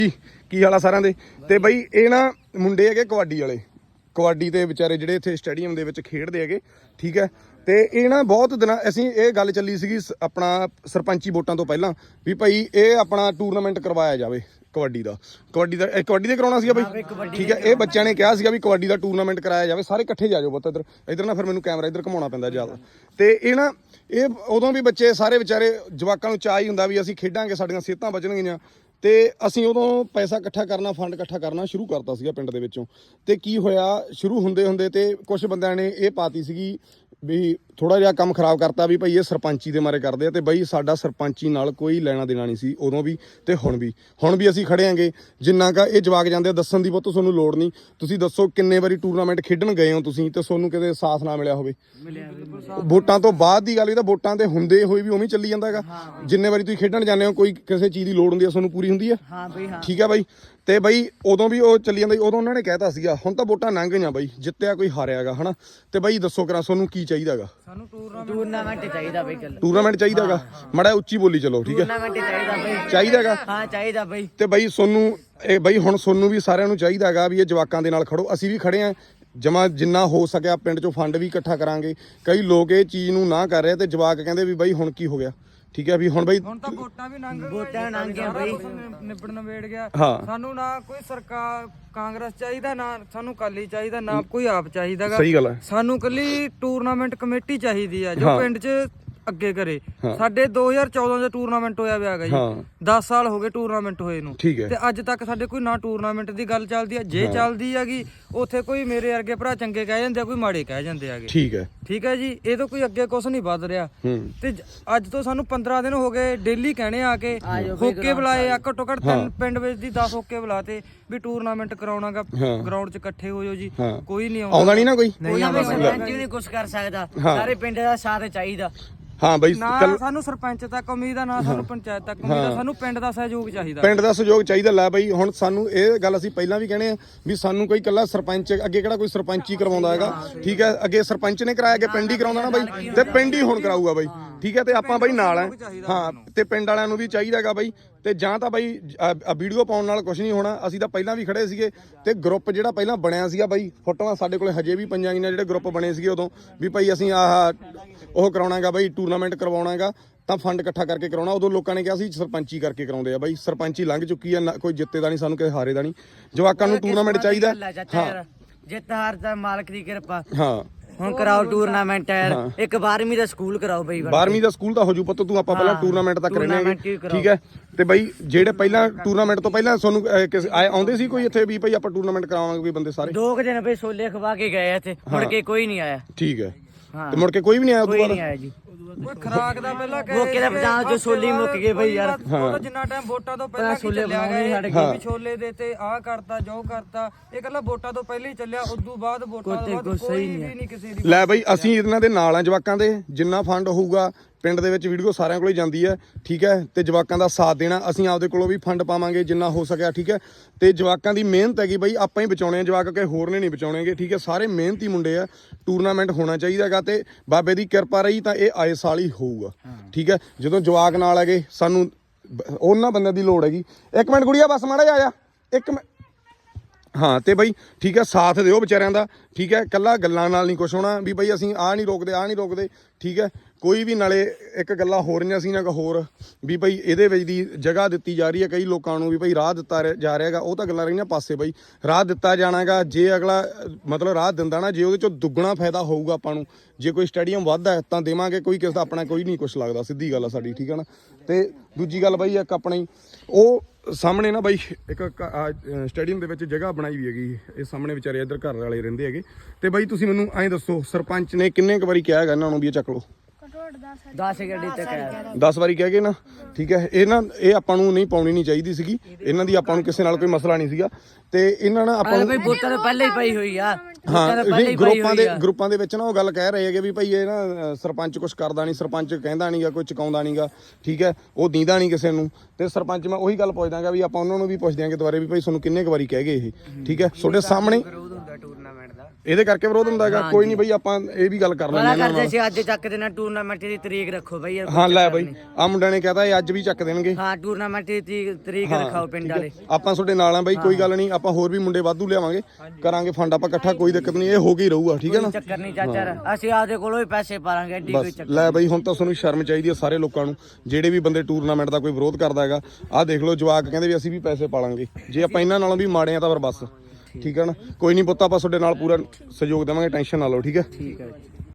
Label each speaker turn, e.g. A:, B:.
A: ਕੀ ਹਾਲ ਆ ਸਾਰਿਆਂ ਦੇ। ਤੇ ਬਈ ਇਹ ਨਾ ਮੁੰਡੇ ਹੈਗੇ ਕਬੱਡੀ ਵਾਲੇ, ਕਬੱਡੀ ਦੇ ਵਿਚਾਰੇ ਜਿਹੜੇ ਇੱਥੇ ਸਟੇਡੀਅਮ ਦੇ ਵਿੱਚ ਖੇਡਦੇ ਹੈਗੇ, ਠੀਕ ਹੈ। ਤੇ ਇਹ ਨਾ ਬਹੁਤ ਦਿਨਾਂ ਅਸੀਂ ਇਹ ਗੱਲ ਚੱਲੀ ਸੀਗੀ ਆਪਣਾ ਸਰਪੰਚੀ ਵੋਟਾਂ ਤੋਂ ਪਹਿਲਾਂ ਵੀ ਭਾਈ ਇਹ ਆਪਣਾ ਟੂਰਨਾਮੈਂਟ ਕਰਵਾਇਆ ਜਾਵੇ ਕਬੱਡੀ ਦਾ ਦੇ ਕਰਾਉਣਾ ਸੀਗਾ ਬਈ, ਠੀਕ ਹੈ। ਇਹ ਬੱਚਿਆਂ ਨੇ ਕਿਹਾ ਸੀਗਾ ਵੀ ਕਬੱਡੀ ਦਾ ਟੂਰਨਾਮੈਂਟ ਕਰਾਇਆ ਜਾਵੇ, ਸਾਰੇ ਇਕੱਠੇ ਜਾ ਜਾਓ ਪੁੱਤ ਇੱਧਰ ਨਾ, ਫਿਰ ਮੈਨੂੰ ਕੈਮਰਾ ਇੱਧਰ ਘੁਮਾਉਣਾ ਪੈਂਦਾ ਜ਼ਿਆਦਾ। ਤੇ ਇਹ ਉਦੋਂ ਵੀ ਬੱਚੇ ਸਾਰੇ ਵਿਚਾਰੇ ਜਵਾਕਾਂ ਨੂੰ ਚਾਅ ਹੀ ਹੁੰਦਾ ਵੀ ਅਸੀਂ ਖੇਡਾਂਗੇ, ਸਾਡੀਆਂ ਸਿਹਤਾਂ ਬਚਣਗੀਆਂ। ਤੇ ਅਸੀਂ ਉਦੋਂ ਪੈਸਾ ਇਕੱਠਾ ਕਰਨਾ, ਫੰਡ ਇਕੱਠਾ ਕਰਨਾ ਸ਼ੁਰੂ ਕਰਤਾ ਸੀਗਾ ਪਿੰਡ ਦੇ ਵਿੱਚੋਂ। ਤੇ ਕੀ ਹੋਇਆ, ਸ਼ੁਰੂ ਹੁੰਦੇ ਤੇ ਕੁਝ ਬੰਦਿਆਂ ਨੇ ਇਹ ਪਾਤੀ ਸੀਗੀ ਵੀ ਥੋੜਾ ਜਿਹਾ ਕੰਮ ਖਰਾਬ ਕਰਤਾ ਵੀ ਭਾਈ ਇਹ ਸਰਪੰਚੀ ਦੇ ਮਾਰੇ ਕਰਦੇ ਆ। ਤੇ ਬਈ ਸਾਡਾ ਸਰਪੰਚੀ ਨਾਲ ਕੋਈ ਲੈਣਾ ਦੇਣਾ ਨਹੀਂ ਸੀ ਉਦੋਂ ਵੀ ਤੇ ਹੁਣ ਵੀ ਅਸੀਂ ਖੜੇ ਆਂਗੇ। ਜਿੰਨਾ ਕਾ ਇਹ ਜਵਾਕ ਜਾਂਦੇ ਆ ਦੱਸਣ ਦੀ ਬਹੁਤ ਤੁਹਾਨੂੰ ਲੋੜ ਨਹੀਂ। ਤੁਸੀਂ ਦੱਸੋ ਕਿੰਨੇ ਵਾਰੀ ਟੂਰਨਾਮੈਂਟ ਖੇਡਣ ਗਏ ਹੋ ਤੁਸੀਂ ਤੇ ਤੁਹਾਨੂੰ ਕਿਤੇ ਸਾਥ ਨਾ ਮਿਲਿਆ ਹੋਵੇ? ਵੋਟਾਂ ਤੋਂ ਬਾਅਦ ਦੀ ਗੱਲ ਵੀ ਤਾਂ ਵੋਟਾਂ ਤੇ ਹੁੰਦੇ ਹੋਏ ਵੀ ਉਵੇਂ ਚੱਲੀ ਜਾਂਦਾ ਹੈਗਾ। ਜਿੰਨੇ ਵਾਰੀ ਤੁਸੀਂ ਖੇਡਣ ਜਾਂਦੇ ਹੋ ਕੋਈ ਕਿਸੇ ਚੀਜ਼ ਦੀ ਲੋੜ ਹੁੰਦੀ ਹੈ ਤੁਹਾਨੂੰ ਪੂਰੀ ਹੁੰਦੀ ਹੈ, ਠੀਕ ਹੈ ਬਾਈ। ਤੇ ਬਈ ਉਦੋਂ ਵੀ ਉਹ ਚੱਲੀ ਜਾਂਦਾ, ਉਦੋਂ ਉਹਨਾਂ ਨੇ ਕਹਿਤਾ ਸੀਗਾ। ਹੁਣ ਤਾਂ ਵੋਟਾਂ ਲੰਘ ਗਈਆਂ ਬਾਈ, ਜਿੱਤਿਆ ਕੋਈ ਹਾਰਿਆਗਾ ਹਨਾ। ਤੇ ਬਾਈ ਦੱਸੋ ਕਰਾਂ ਤੁਹਾਨੂੰ ਕੀ ਚਾਹੀਦਾਗਾ? ਸਾਨੂੰ
B: ਟੂਰਨਾਮੈਂਟ ਚਾਹੀਦਾ ਬਈ,
A: ਟੂਰਨਾਮੈਂਟ ਚਾਹੀਦਾਗਾ। ਮਾੜਾ ਉੱਚੀ ਬੋਲੀ ਚਲੋ, ਠੀਕ ਹੈ।
B: ਟੂਰਨਾਮੈਂਟ ਚਾਹੀਦਾ ਬਈ,
A: ਚਾਹੀਦਾਗਾ।
B: ਹਾਂ ਚਾਹੀਦਾ ਬਈ।
A: ਤੇ ਬਾਈ ਸੋਨੂੰ ਇਹ ਬਾਈ ਹੁਣ ਸੋਨੂੰ ਵੀ ਸਾਰਿਆਂ ਨੂੰ ਚਾਹੀਦਾਗਾ ਵੀ ਇਹ ਜਵਾਕਾਂ ਦੇ ਨਾਲ ਖੜੋ। ਅਸੀਂ ਵੀ ਖੜੇ ਆਂ ਜਮਾ, ਜਿੰਨਾ ਹੋ ਸਕਿਆ ਪਿੰਡ ਚੋਂ ਫੰਡ ਵੀ ਇਕੱਠਾ ਕਰਾਂਗੇ। ਕਈ ਲੋਕ ਇਹ ਚੀਜ਼ ਨੂੰ ਨਾ ਕਰ ਰਹੇ ਤੇ ਜਵਾਕ ਕਹਿੰਦੇ ਵੀ ਬਾਈ ਹੁਣ ਕੀ ਹੋ ਗਿਆ, ਠੀਕ ਹੈ। ਵੀ ਹੁਣ ਬਈ
C: ਹੁਣ ਤਾਂ ਵੋਟਾਂ ਵੀ ਲੰਘ
B: ਗਈਆਂ ਬਈ,
C: ਨਿਬੜ ਗਿਆ।
A: ਹਾਂ
C: ਸਾਨੂੰ ਨਾ ਕੋਈ ਸਰਕਾਰ ਕਾਂਗਰਸ ਚਾਹੀਦਾ, ਨਾ ਸਾਨੂੰ ਕਾਲੀ ਚਾਹੀਦਾ, ਨਾ ਕੋਈ ਆਪ ਚਾਹੀਦਾਗਾ।
A: ਸਹੀ ਗੱਲ ਹੈ।
C: ਸਾਨੂੰ ਕੱਲੀ ਟੂਰਨਾਮੈਂਟ ਕਮੇਟੀ ਚਾਹੀਦੀ ਆ ਜੋ ਪਿੰਡ 'ਚ ਅੱਗੇ ਕਰੇ। ਸਾਡੇ 2014 ਦਾ ਟੂਰਨਾਮੈਂਟ ਹੋਇਆ ਵਿਆਗਾ ਜੀ, 10 ਸਾਲ ਹੋ ਗਏ ਟੂਰਨਾਮੈਂਟ ਹੋਏ ਨੂੰ,
A: ਠੀਕ ਹੈ।
C: ਤੇ ਅੱਜ ਤੱਕ ਸਾਡੇ ਕੋਈ ਨਾ ਟੂਰਨਾਮੈਂਟ ਦੀ ਗੱਲ ਚੱਲਦੀ ਆ। ਜੇ ਚੱਲਦੀ ਹੈਗੀ ਉੱਥੇ ਕੋਈ ਮੇਰੇ ਵਰਗੇ ਭਰਾ ਚੰਗੇ ਕਹਿ ਜਾਂਦੇ ਆ, ਕੋਈ ਮਾੜੇ ਕਹਿ ਜਾਂਦੇ ਆਗੇ, ਠੀਕ ਹੈ ਜੀ। ਇਹ ਤੋਂ ਕੋਈ ਅੱਗੇ ਕੁਛ ਨਹੀਂ ਵੱਧ ਰਿਹਾ। ਤੇ ਅੱਜ ਤੋਂ ਸਾਨੂੰ 15 ਦਿਨ ਹੋ ਗਏ ਡੇਲੀ ਕਹਿਣੇ ਆ ਕੇ ਹੋਕੇ ਬੁਲਾਏ ਆ, ਘੱਟੋ ਘੱਟ 3 ਪਿੰਡ ਵਿੱਚ ਦੀ 10 ਹੋਕੇ ਬੁਲਾਤੇ ਵੀ ਟੂਰਨਾਮੈਂਟ ਕਰਾਉਣਾਗਾ, ਗਰਾਊਂਡ 'ਚ ਇਕੱਠੇ ਹੋ ਜਾਓ ਜੀ। ਕੋਈ ਨਹੀਂ ਆਉਂਦਾ
A: ਨਹੀਂ ਨਾ ਕੋਈ
B: ਸਰਪੰਚ ਵੀ ਨਹੀਂ ਕੁਛ ਕਰ ਸਕਦਾ, ਸਾਰੇ ਪਿੰਡ ਦਾ ਸਾਥ ਚਾਹੀਦਾ।
A: ਹਾਂ ਬਈ,
C: ਨਾ ਸਾਨੂੰ ਸਰਪੰਚ ਤੱਕ ਉਮੀਦ ਆ, ਨਾ ਸਾਨੂੰ ਪੰਚਾਇਤ ਤੱਕ ਉਮੀਦ ਆ, ਸਾਨੂੰ ਪਿੰਡ ਦਾ ਸਹਿਯੋਗ ਚਾਹੀਦਾ।
A: ਪਿੰਡ ਦਾ ਸਹਿਯੋਗ ਚਾਹੀਦਾ। ਲੈ ਬਈ ਹੁਣ ਸਾਨੂੰ ਇਹ ਗੱਲ ਅਸੀਂ ਪਹਿਲਾਂ ਵੀ ਕਹਿੰਦੇ ਆ ਵੀ ਸਾਨੂੰ ਕੋਈ ਇਕੱਲਾ ਸਰਪੰਚ ਅੱਗੇ ਕਿਹੜਾ ਕੋਈ ਸਰਪੰਚ ਹੀ ਕਰਵਾਉਂਦਾ ਹੈਗਾ, ਠੀਕ ਹੈ। ਅੱਗੇ ਸਰਪੰਚ ਨੇ ਕਰਾਇਆ, ਅੱਗੇ ਪਿੰਡ ਹੀ ਕਰਾਉਂਦਾ ਨਾ ਬਾਈ, ਤੇ ਪਿੰਡ ਹੀ ਹੁਣ ਕਰਾਊਗਾ ਬਾਈ, ਠੀਕ ਹੈ। ਤੇ ਆਪਾਂ ਬਾਈ ਨਾਲ ਆ, ਹਾਂ। ਤੇ ਪਿੰਡ ਵਾਲਿਆਂ ਨੂੰ ਵੀ ਚਾਹੀਦਾ ਹੈਗਾ ਬਾਈ। ਤੇ ਜਾਂ ਤਾਂ ਬਾਈ ਵੀਡੀਓ ਪਾਉਣ ਨਾਲ ਕੁਝ ਨਹੀਂ ਹੋਣਾ। ਅਸੀਂ ਤਾਂ ਪਹਿਲਾਂ ਵੀ ਖੜੇ ਸੀਗੇ ਤੇ ਗਰੁੱਪ ਜਿਹੜਾ ਪਹਿਲਾਂ ਬਣਿਆ ਸੀਗਾ ਬਾਈ, ਫੋਟੋਆਂ ਸਾਡੇ ਕੋਲੇ ਹਜੇ ਵੀ ਪਈਆਂ ਗਈਆਂ ਜਿਹੜੇ ਗਰੁੱਪ ਬਣੇ ਸੀਗੇ ਉਦੋਂ ਵੀ ਭਾਈ ਅਸੀਂ ਉਹ ਕਰਾਉਣਾਗਾ ਬਾਈ, ਟੂਰਨਾਮੈਂਟ ਕਰਵਾਉਣਾਗਾ ਤਾਂ ਫੰਡ ਇਕੱਠਾ ਕਰਕੇ ਕਰਾਉਣਾ। ਉਦੋਂ ਲੋਕਾਂ ਨੇ ਕਿਹਾ ਸੀ ਸਰਪੰਚੀ ਕਰਕੇ ਕਰਾਉਂਦੇ ਆ ਬਾਈ। ਸਰਪੰਚੀ ਲੰਘ ਚੁੱਕੀ ਆ, ਕੋਈ ਜਿੱਤੇ ਦਾ ਨਹੀਂ, ਸਾਨੂੰ ਕਿਸੇ ਹਾਰੇ ਦਾ ਨਹੀਂ। ਜਵਾਕਾਂ ਨੂੰ ਟੂਰਨਾਮੈਂਟ ਚਾਹੀਦਾ।
B: ਹਾਂ ਜਿੱਤ ਹਾਰ ਦਾ ਮਾਲਕ ਦੀ ਕਿਰਪਾ।
A: ਹਾਂ
B: ਹੁਣ ਕਰਾਓ ਟੂਰਨਾਮੈਂਟ ਯਾਰ, ਇੱਕ 12ਵੀਂ ਦਾ ਸਕੂਲ ਕਰਾਓ ਬਈ।
A: 12ਵੀਂ ਦਾ ਸਕੂਲ ਤਾਂ ਹੋ ਜੂ ਪੁੱਤ, ਤੂੰ ਆਪਾਂ ਪਹਿਲਾਂ ਟੂਰਨਾਮੈਂਟ ਤਾਂ ਕਰਨੇ, ਠੀਕ ਹੈ। ਤੇ ਬਈ ਜਿਹੜੇ ਪਹਿਲਾਂ ਟੂਰਨਾਮੈਂਟ ਤੋਂ ਪਹਿਲਾਂ ਤੁਹਾਨੂੰ ਆਉਂਦੇ ਸੀ ਕੋਈ ਇੱਥੇ ਵੀ ਭਾਈ ਆਪਾਂ ਟੂਰਨਾਮੈਂਟ ਕਰਾਵਾਂਗੇ, ਕੋਈ ਬੰਦੇ ਸਾਰੇ
B: 2 ਦਿਨ ਬਈ ਛੋਲੇ ਖਵਾ ਕੇ ਗਏ ਇੱਥੇ, ਮੁੜ ਕੇ ਕੋਈ ਨਹੀਂ ਆਇਆ,
A: ਠੀਕ ਹੈ। ਤੇ ਮੁੜ ਕੇ ਕੋਈ ਵੀ ਨਹੀਂ ਆਇਆ?
B: ਕੋਈ ਨਹੀਂ ਆਇਆ ਜੀ।
C: ਕੋਈ ਖਰਾਕ ਦਾ ਪਹਿਲਾਂ
B: ਮੌਕੇ ਦਾ ਪੰਜਾਬ ਚ ਛੋਲੇ ਮੁੱਕ ਗਏ ਬਈ ਯਾਰ।
C: ਜਿੰਨਾ ਟਾਈਮ ਵੋਟਾਂ ਤੋਂ ਪਹਿਲਾਂ ਛੋਲੇ ਬਣਾਉਣੇ ਛੋਲੇ ਦੇ ਤੇ ਆਹ ਕਰਤਾ ਜੋ ਕਰਤਾ, ਇਹ ਕੱਲਾ ਵੋਟਾਂ ਤੋਂ ਪਹਿਲਾਂ ਹੀ ਚੱਲਿਆ। ਉਦੋਂ ਬਾਅਦ ਵੋਟਾਂ ਤੋਂ ਬਾਅਦ ਕੋਈ ਵੀ ਨਹੀਂ ਕਿਸੇ ਦੀ।
A: ਲੈ ਬਈ ਅਸੀਂ ਇਹਨਾਂ ਦੇ ਨਾਲ ਆ ਜਵਾਕਾਂ ਦੇ, ਜਿੰਨਾ ਫੰਡ ਹੋਊਗਾ ਪਿੰਡ ਦੇ ਵਿੱਚ ਵੀਡੀਓ ਸਾਰਿਆਂ ਕੋਲ ਜਾਂਦੀ ਹੈ, ਠੀਕ ਹੈ। ਤੇ ਜਵਾਕਾਂ ਦਾ ਸਾਥ ਦੇਣਾ, ਅਸੀਂ ਆਪਦੇ ਕੋਲੋਂ ਵੀ ਫੰਡ ਪਾਵਾਂਗੇ ਜਿੰਨਾ ਹੋ ਸਕਿਆ, ਠੀਕ ਹੈ। ਤੇ ਜਵਾਕਾਂ ਦੀ ਮਿਹਨਤ ਹੈਗੀ ਬਈ, ਆਪਾਂ ਹੀ ਬਚਾਉਣੇ ਆ ਜਵਾਕ, ਕਿ ਹੋਰ ਨੇ ਨਹੀਂ ਬਚਾਉਣੇਗੇ, ਠੀਕ ਹੈ। ਸਾਰੇ ਮਿਹਨਤੀ ਮੁੰਡੇ ਆ, ਟੂਰਨਾਮੈਂਟ ਹੋਣਾ ਚਾਹੀਦਾ ਹੈਗਾ। ਤੇ ਬਾਬੇ ਦੀ ਕਿਰਪਾ ਰਹੀ ਤਾਂ ਇਹ ਆਏ ਸਾਲ ਹੀ ਹੋਊਗਾ, ਠੀਕ ਹੈ। ਜਦੋਂ ਜਵਾਕ ਨਾਲ ਹੈਗੇ ਸਾਨੂੰ ਉਹਨਾਂ ਬੰਦਿਆਂ ਦੀ ਲੋੜ ਹੈਗੀ। ਇੱਕ ਮਿੰਟ ਗੁੜੀਆ ਬਸ ਮਾੜਾ ਜਿਹਾ ਆ, ਇੱਕ ਮਿੰਟ। ਹਾਂ ਤੇ ਬਈ ਠੀਕ ਹੈ, ਸਾਥ ਦਿਓ ਵਿਚਾਰਿਆਂ ਦਾ, ਠੀਕ ਹੈ। ਕੱਲਾ ਗੱਲਾਂ ਨਾਲ ਨਹੀਂ ਕੁਛ ਹੋਣਾ ਵੀ ਬਈ ਅਸੀਂ ਆਹ ਨਹੀਂ ਰੋਕਦੇ, ਠੀਕ ਹੈ। ਕੋਈ ਵੀ ਨਾਲੇ ਇੱਕ ਗੱਲਾਂ ਹੋ ਰਹੀਆਂ ਸੀ ਨਾ ਹੋਰ ਵੀ ਭਾਈ ਇਹਦੇ ਵਿੱਚ ਦੀ ਜਗ੍ਹਾ ਦਿੱਤੀ ਜਾ ਰਹੀ ਹੈ ਕਈ ਲੋਕਾਂ ਨੂੰ ਵੀ ਭਾਈ ਰਾਹ ਦਿੱਤਾ ਜਾ ਰਿਹਾ ਹੈਗਾ, ਉਹ ਤਾਂ ਗੱਲਾਂ ਰਹੀਆਂ ਪਾਸੇ। ਬਈ ਰਾਹ ਦਿੱਤਾ ਜਾਣਾਗਾ, ਜੇ ਅਗਲਾ ਮਤਲਬ ਰਾਹ ਦਿੰਦਾ ਨਾ, ਜੇ ਉਹਦੇ ਚੋਂ ਦੁੱਗਣਾ ਫਾਇਦਾ ਹੋਊਗਾ ਆਪਾਂ ਨੂੰ। ਜੇ ਕੋਈ ਸਟੇਡੀਅਮ ਵੱਧਦਾ ਤਾਂ ਦੇਵਾਂਗੇ, ਕੋਈ ਕਿਸੇ ਦਾ ਆਪਣਾ ਕੋਈ ਨਹੀਂ ਕੁਛ ਲੱਗਦਾ, ਸਿੱਧੀ ਗੱਲ ਆ ਸਾਡੀ, ਠੀਕ ਹੈ ਨਾ। ਤੇ ਦੂਜੀ ਗੱਲ ਬਾਈ ਇੱਕ ਆਪਣੀ ਉਹ ਸਾਹਮਣੇ ਨਾ ਬਾਈ ਇੱਕ ਸਟੇਡੀਅਮ ਦੇ ਵਿੱਚ ਜਗ੍ਹਾ ਬਣਾਈ ਵੀ ਹੈਗੀ, ਇਹ ਸਾਹਮਣੇ ਵਿਚਾਰੇ ਇੱਧਰ ਘਰ ਵਾਲੇ ਰਹਿੰਦੇ ਹੈਗੇ। ਤੇ ਬਾਈ ਤੁਸੀਂ ਮੈਨੂੰ ਐਂ ਦੱਸੋ, ਸਰਪੰਚ ਨੇ ਕਿੰਨੇ ਕੁ ਵਾਰੀ ਕਿਹਾ ਹੈਗਾ ਇਹਨਾਂ ਨੂੰ ਵੀ ਇਹ ਚੱਕ ਲਓ?
B: 10 ਗੱਡੀ ਤੱਕ
A: 10 ਵਾਰੀ ਕਹਿ ਗਏ ਨਾ, ਠੀਕ ਹੈ। ਇਹ ਆਪਾਂ ਨੂੰ ਨਹੀਂ ਪਾਉਣੀ ਨਹੀਂ ਚਾਹੀਦੀ ਸੀਗੀ, ਇਹਨਾਂ ਦੀ ਆਪਾਂ ਨੂੰ ਕਿਸੇ ਨਾਲ ਕੋਈ ਮਸਲਾ ਨਹੀਂ ਸੀਗਾ। ਤੇ ਇਹਨਾਂ ਨਾਲ ਆਪਾਂ ਨੂੰ
B: ਵੋਟਾਂ ਤਾਂ ਪਹਿਲਾਂ ਹੀ ਪਈ ਹੋਈ ਆ।
A: ਹਾਂ ਗਰੁੱਪਾਂ ਦੇ ਵਿੱਚ ਨਾ ਉਹ ਗੱਲ ਕਹਿ ਰਹੇ ਹੈਗੇ ਵੀ ਭਾਈ ਇਹ ਨਾ ਸਰਪੰਚ ਕੁਛ ਕਰਦਾ ਨਹੀਂ, ਸਰਪੰਚ ਕਹਿੰਦਾ ਨਹੀਂਗਾ, ਕੋਈ ਚੁਕਾਉਂਦਾ ਨਹੀਂਗਾ, ਠੀਕ ਹੈ। ਉਹ ਦੀਂਦਾ ਨਹੀਂ ਕਿਸੇ ਨੂੰ। ਤੇ ਸਰਪੰਚ ਮੈਂ ਉਹੀ ਗੱਲ ਪੁੱਛਦਾਗਾ ਵੀ ਆਪਾਂ ਉਹਨਾਂ ਨੂੰ ਵੀ ਪੁੱਛ ਦਿਆਂਗੇ ਦੁਬਾਰੇ ਵੀ ਭਾਈ ਤੁਹਾਨੂੰ ਕਿੰਨੇ ਕੁ ਵਾਰੀ ਕਹਿ ਗਏ ਇਹ, ਠੀਕ ਹੈ। ਤੁਹਾਡੇ ਸਾਹਮਣੇ
B: ਟੂਰਨਾਮੈਂਟ ਦਾ
A: ਇਹਦੇ ਕਰਕੇ ਵਿਰੋਧ ਹੁੰਦਾ ਹੈਗਾ। ਕੋਈ ਨਹੀਂ ਬਈ ਆਪਾਂ ਇਹ ਵੀ ਗੱਲ ਕਰ
B: ਬੜਾ
A: ਲੈਂਦੇ
B: ਕਰਦੇ ਸੀ ਅੱਜ ਚੱਕ ਦੇਣਾ ਟੂਰਨਾਮੈਂਟ ਦੀ ਤਰੀਕ ਰੱਖੋ ਬਈ ਯਾਰ,
A: ਹਾਂ ਲੈ ਬਈ ਆ ਮੁੰਡਿਆਂ ਨੇ ਕਹਤਾ ਇਹ ਅੱਜ ਵੀ ਚੱਕ ਦੇਣਗੇ।
B: ਹਾਂ ਟੂਰਨਾਮੈਂਟ ਦੀ ਤਰੀਕ ਰਖਾਓ ਪਿੰਡ ਵਾਲੇ।
A: ਆਪਾਂ ਤੁਹਾਡੇ ਨਾਲ ਆ ਬਈ, ਕੋਈ ਗੱਲ ਨਹੀਂ, ਆਪਾਂ ਹੋਰ ਵੀ ਮੁੰਡੇ ਵਾਧੂ ਲਿਆਵਾਂਗੇ, ਕਰਾਂਗੇ ਫੰਡ ਆਪਾਂ ਇਕੱਠਾ, ਕੋਈ ਦਿੱਕਤ ਨਹੀਂ, ਇਹ ਹੋ ਕੇ ਹੀ ਰਹੂਗਾ। ਠੀਕ ਹੈ ਨਾ,
B: ਚੱਕਰ ਨਹੀਂ ਚਾਚਾ, ਅਸੀਂ ਆਪਦੇ ਕੋਲੋਂ ਹੀ ਪੈਸੇ ਪਾਵਾਂਗੇ, ਐਡੀ ਕੋਈ ਚੱਕਰ।
A: ਲੈ ਬਈ ਹੁਣ ਤਾਂ ਤੁਹਾਨੂੰ ਸ਼ਰਮ ਚਾਹੀਦੀ ਹੈ ਸਾਰੇ ਲੋਕਾਂ ਨੂੰ, ਜਿਹੜੇ ਵੀ ਬੰਦੇ ਟੂਰਨਾਮੈਂਟ ਦਾ ਕੋਈ ਵਿਰੋਧ ਕਰਦਾ ਹੈਗਾ। ਆਹ ਦੇਖ ਲਓ ਜਵਾਕ ਕਹਿੰਦੇ ਵੀ ਅਸੀਂ ਵੀ ਪੈਸੇ ਪਾਲਾਂਗੇ, ਜੇ ਆਪਾਂ ਇਹਨਾਂ ਨਾਲੋਂ ਵੀ ਮਾੜੇ ਆ ਤਾਂ ਫਿਰ ਬਸ। ਠੀਕ ਹੈ ਨਾ, ਕੋਈ ਨਹੀਂ ਪੁੱਤ, ਆਪਾਂ ਤੁਹਾਡੇ ਨਾਲ ਪੂਰਾ ਸਹਿਯੋਗ ਦੇਵਾਂਗੇ, ਟੈਨਸ਼ਨ ਨਾ ਲਓ। ਠੀਕ ਹੈ।
B: ਠੀਕ ਹੈ।